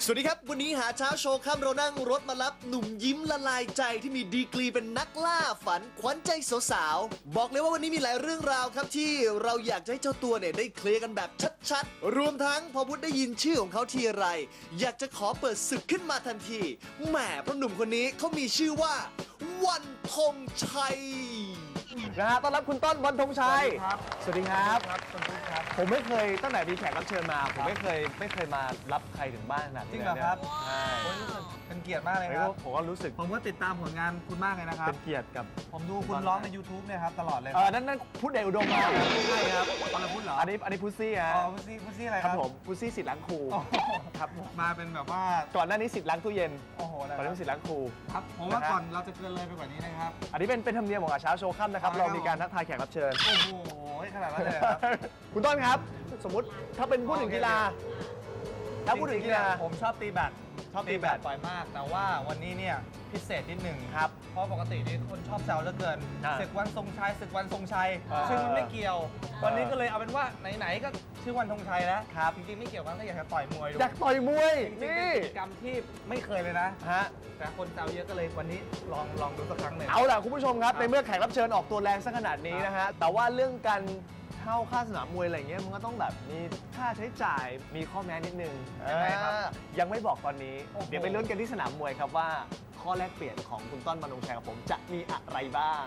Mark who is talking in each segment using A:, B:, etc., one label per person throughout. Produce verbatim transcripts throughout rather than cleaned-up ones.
A: สวัสดีครับวันนี้หาเช้าโชว์ค่ำเรานั่งรถมารับหนุ่มยิ้มละลายใจที่มีดีกรีเป็นนักล่าฝันขวัญใจสาวๆบอกเลยว่าวันนี้มีหลายเรื่องราวครับที่เราอยากจะให้เจ้าตัวเนี่ยได้เคลียร์กันแบบชัดๆรวมทั้งพอพุทธได้ยินชื่อของเขาทีไรอยากจะขอเปิดศึกขึ้นมาทันทีแหมเพราะหนุ่มคนนี้เขามีชื่อว่าวันธงชัยนะฮะต้อนรับคุณต้นวันธงชัยครับสวัสดีครับครับผมไม่เคยตั้งแต่มีแขกรับเชิญมาผมไม่เคยไม่เคยมารับใครถึงบ้านขนาดนี้
B: จริงเหรอครับ
A: ใช่
B: โอ้ยรู้สึกเป็นเกียรติมากเลยครับ
A: ผมก็รู้สึก
B: ผมก็ติดตามผลงานคุณมากเลยนะครับ
A: เป็นเกียรติกับ
B: ผมดูคุณร้องใน YouTube เนี่ยครับตลอดเลย
A: เออนั่นนั่นพุทธเดชอุดมมาใช่ครับ
B: ตอนเราพูดเหรอ
A: อันนี้อันนี้พุซซี่ฮะ
B: อ๋อพุซี่พุซี่อะไร
A: ค
B: ค
A: รั
B: รั
A: บบ ผมพุซซี่สิทธิ์ล้างครู
B: โอ้โห
A: ครับผม
B: มาเป็นแบบว่า
A: ก่อนหน้านี้สิทธิ์ล้างตู้เย็น
B: โอ้โหนะ
A: ตอน
B: ค
A: นี้
B: รับ
A: สิทธิ์ล้างครู
B: ครับผมว่าก่อนเราจะเกินเลยไปกว่านี้นะครับ
A: อันนี้เป็นเป็นธรรมเนียมของอาเช้าโชว์ค่ำนะครับ
B: อ๋อ
A: เรามีการทักทายแขกรับเชิญ
B: โอ้โหขนาดนั้นเลยเหรอครับ
A: คุณต้นครับ สมมุติถ้าเป็นพูดถึงกีฬาถ้าพูดถึงกีฬา
B: จริๆผมชอบตีแบด
A: ชอบตีแบด
B: บ่อยมาก แต่ว่าวันนี้เนี่ยพิเศษนิดหนึ่ง
A: ครับ
B: เพราะปกตินี่คนชอบแซวเหลือเกิน
A: อ่า
B: ศึกวันทรงชัยศึกวันทรงชัย
A: อ่า
B: ซึ่งมันไม่เกี่ยว วันนี้ก็เลยเอาเป็นว่าไหนๆก็ชื่อวันทรงชัยแล้ว
A: ครับ
B: จริงๆไม่เกี่ยวกันก็อยากจะต่อยมวยดู
A: อยากต่อยมวย
B: จริงๆ
A: นี่
B: เป็นกิจกรรมที่ไม่เคยเลยนะ
A: ฮะ
B: แต่คนแซวเยอะก็เลยวันนี้ลองลองดูสักครั้งหนึ่ง
A: เอาล่ะคุณผู้ชมครับ
B: ครับ
A: ในเมื่อแขกรับเชิญออกตัวแรงซะขนาดนี้นะฮะแต่ว่าเรื่องการเข้าค่าสนามมวยอะไรเงี้ยมันก็ต้องแบบมีค่าใช้จ่ายมีข้อแม้นิดนึง
B: ยังไงครับ
A: อ่ายังไม่บอกตอนนี้
B: โอ้โห
A: เดี๋ยวไปลุ้นกันที่สนามมวยครับว่าข้อแลกเปลี่ยนของคุณต้นมนงชัยกับผมจะมีอะไรบ้าง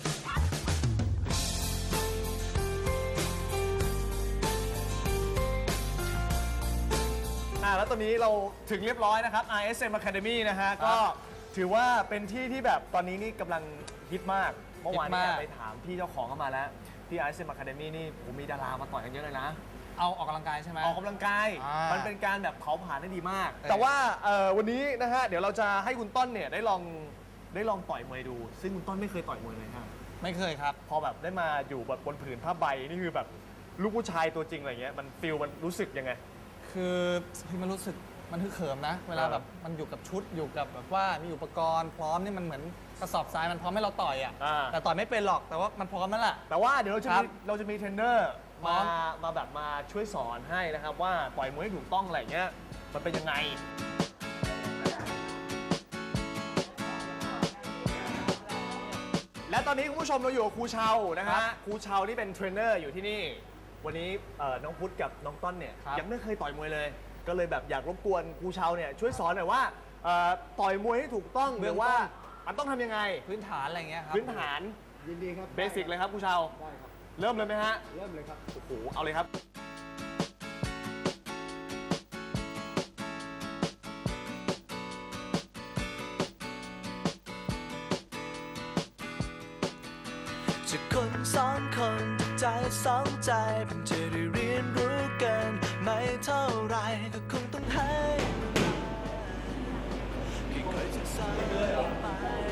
A: อ่าแล้วตอนนี้เราถึงเรียบร้อยนะครับ อาร์ เอส เอ็ม Academy นะฮะก็ถือว่าเป็นที่ที่แบบตอนนี้นี่กำลังฮิตมากเมื่อวาน
B: ฮิต
A: นี้
B: มาก
A: ไปถามพี่เจ้าของเข้ามาแล้วที่ อาร์ เอส เอ็ม Academy นี่ผมมีดารามาต่อยกันเยอะเลยนะ
B: เอาออกกำลังกายใช่ไหม
A: ออกกำลังกาย
B: อ่ามั
A: มันเป็นการแบบเผาผลาญได้ดีมาก
B: เออ
A: แต่ว่าเอ่อวันนี้นะฮะ เดี๋ยวเราจะให้คุณต้นเนี่ยได้ลองได้ลองต่อยมวยดู ซึ่งคุณต้นไม่เคยต่อยมวยเลยครับ
B: ไม่เคยครับ
A: พอแบบได้มาอยู่แบบบนผืนผ้าใบนี่คือแบบลูกผู้ชายตัวจริงอะไรเงี้ย มันฟิลมันรู้สึกยังไง
B: คือพี่มันรู้สึกมันฮึกเหิมนะ เวลา
A: เออ
B: แบบมันอยู่กับชุดอยู่กับแบบว่ามีอุปกรณ์พร้อมนี่มันเหมือนกระสอบทรายมันพร้อมให้เราต่อยอ่ะ
A: อ่า
B: แต่ต่อยไม่เป็นหรอกแต่ว่ามันพร้อมนั่นแหละ
A: แต่ว่าเดี๋ยวเราจะ
B: ครั
A: มี
B: บ
A: เราจะมีเทรนเนอร์
B: พร้
A: มา
B: อม
A: มาแบบมาช่วยสอนให้นะครับว่าต่อยมวยให้ถูกต้องอะไรเงี้ยมันเป็นยังไง และตอนนี้คุณผู้ชมเราอยู่กับครูเชานะ
B: ครั
A: ฮะ
B: บ
A: ครูเชาที่เป็นเทรนเนอร์อยู่ที่นี่ วันนี้เอ่อน้องพุทธกับน้องต้นเนี่ย
B: ครับ
A: ยังไม่เคยต่อยมวยเลย ก็เลยแบบอยากรบกวนครูเชาเนี่ยช่วยสอนหน่อยว่าเอ่อต่อยมวยให้ถูกต้องหรือว่ามันต้องทำยังไง
B: พื้นฐานอะไรเงี้ยครับ
A: พื้นฐาน
C: ยินดีครับ
A: เบสิกเลยครับครูเชา
C: ได้ครับ
A: เริ่มเลยไหมฮะ
C: เริ่มเลยครับ
A: โอ้โหเอาเลยครับ
D: จากคนสองคนใจสองใจเพิ่งจะได้เรียนรู้กันไม่เท่าไรก็คงต้องให้ค่อยๆศึกษาไป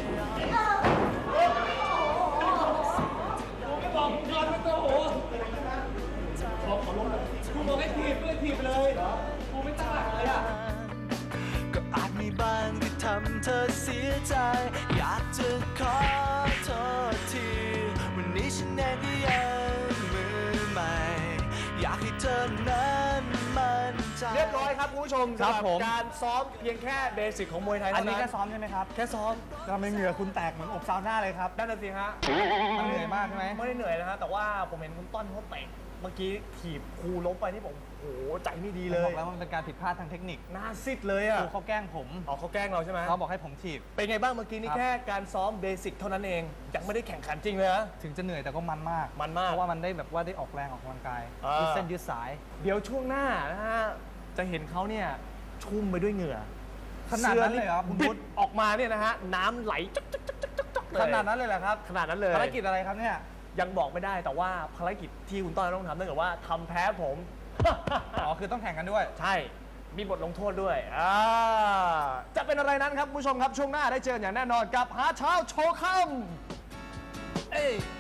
D: ก็อาจมีบางที่ทำเธอเสียใจ อยากจะขอโทษที วันนี้ฉันเองก็ยังมือใหม่ อยากให้เธอนั้นมั่นใจ
A: เรียบร้อยครับคุณผู้ชม
B: ครับ
A: สำหรับ
B: ผม
A: การซ้อมเพียงแค่เบสิกของมวยไทย
B: อัน
A: เท่า
B: นี้
A: นั้น
B: แค่ซ้อมใช่ไหมครับ
A: แค่ซ้อม
B: ทำไมเหงื่อคุณแตกเหมือนอบซาวน่าเลยครับ
A: นั่นน่ะสิฮะ
B: มันเหนื่อยมากใช่ไหม
A: ไม่ได้เหนื่อยนะฮะ แต่ว่าผมเห็นคุณต้นเขาเตะเมื่อกี้ถีบครูล้มไปนี่ผมโอ้โหใจไม่ดีเล
B: ผมบอย กแล้วว่ามันเป็นการผิดพลาดทางเทคนิค
A: หน้าซิดเลย
B: ค
A: อ่ะ
B: รูเขาแกล้งผม
A: อ๋อเขาแกล้งเราใช่ไหม
B: เขาบอกให้ผมถีบ
A: เป็นไงบ้างเมื่อกี้นี่
B: ครับ
A: แค่การซ้อมเบสิกเท่านั้นเองยังไม่ได้แข่งขันจริงเลยนะ
B: ถึงจะเหนื่อยแต่ก็มันมาก
A: มันมาก
B: เพราะว่ามันได้แบบว่าได้ออกแรงออกกำลังกาย
A: อ่ายื
B: ยืดเส้นยืดสาย
A: เดี๋ยวช่วงหน้านะฮะจะเห็นเขาเนี่ยชุ่มไปด้วยเหงื่อ
B: ขนาดนั้นเลยเหรอคุณ
A: บิ
B: พุท
A: ด
B: ธ
A: ออกมาเนี่ยนะฮะน้ำไหลจ๊กจ๊กจ๊กจ๊กจ๊กเลย
B: ขนาดนั้นเลยเหรอครับ
A: ขนาดนั้นเลย
B: ภารกิจอะไรครับเนี่ย
A: ยังบอกไม่ได้แต่ว่าภารกิจที่คุณต้นต้องทำนั่นก็ว่าทำแพ้ผม
B: อ๋อ คือต้องแข่งกันด้วย
A: ใช่ มีบทลงโทษด้วยอ่าจะเป็นอะไรนั้นครับคุณผู้ชมครับช่วงหน้าได้เจออย่างแน่นอนกับหาเช้าโชว์ค่ำ
B: เอ้ย